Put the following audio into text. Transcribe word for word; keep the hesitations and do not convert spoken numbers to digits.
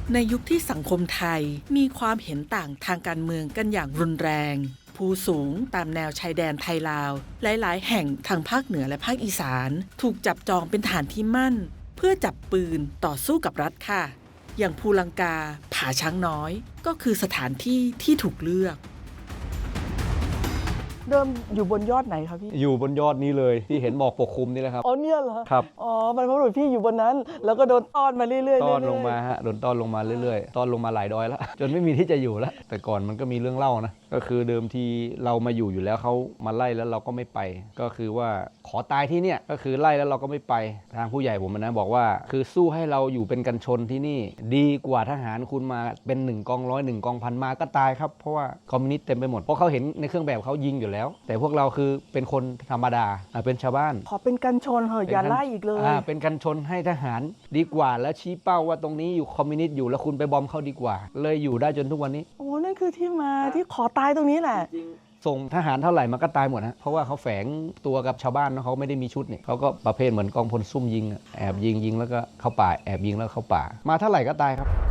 ในยุคที่สังคมไทยมีความเห็นต่างทางการเมืองกันอย่างรุนแรงภูสูงตามแนวชายแดนไทยลาวหลายๆแห่งทางภาคเหนือและภาคอีสานถูกจับจองเป็นฐานที่มั่นเพื่อจับปืนต่อสู้กับรัฐค่ะอย่างภูลังกาผาช้างน้อยก็คือสถานที่ที่ถูกเลือกเริ่มอยู่บนยอดไหนครับพี่อยู่บนยอดนี้เลยที่เห็นหมอกปกคลุมนี่แหละครับอ๋อเนี่ยเหรอครับอ๋อบรรพบุรุษพี่อยู่บนนั้นแล้วก็โดนต้อนมาเรื่อยๆต้อนลงมาฮะโดนต้อนลงมาเรื่อยๆต้อนลงมาหลายดอยแล้วจนไม่มีที่จะอยู่แล้วแต่ก่อนมันก็มีเรื่องเล่านะก็คือเดิมทีเรามาอยู่อยู่แล้วเขามาไล่แล้วเราก็ไม่ไปก็คือว่าขอตายที่เนี่ยก็คือไล่แล้วเราก็ไม่ไปทางผู้ใหญ่ผมนะบอกว่าคือสู้ให้เราอยู่เป็นกันชนที่นี่ดีกว่าทหารคุณมาเป็นหนึ่งกองร้อยหนึ่งกองพันมาก็ตายครับเพราะว่าคอมมิวนิสต์เต็มไปหมดเพราะเขาเห็นในเครื่องแบบเขายิงอยู่แล้วแต่พวกเราคือเป็นคนธรรมดาเป็นชาวบ้านขอเป็นกันชนเหอะอย่าไล่อีกเลยอ่าเป็นกันชนให้ทหารดีกว่าแล้วชี้เป้าว่าตรงนี้อยู่คอมมิวนิสต์อยู่แล้วคุณไปบอมเขาดีกว่าเลยอยู่ได้จนทุกวันนี้โอ้นั่นคือที่มาที่ขอตายตรงนี้แหละส่งทหารเท่าไหร่มันก็ตายหมดฮะเพราะว่าเขาแฝงตัวกับชาวบ้านเขาไม่ได้มีชุดเนี่ยเขาก็ประเภทเหมือนกองพลซุ่มยิงแอบยิงยิงแล้วก็เข้าป่าแอบยิงแล้วเข้าป่ามาเท่าไหร่ก็ตายครับ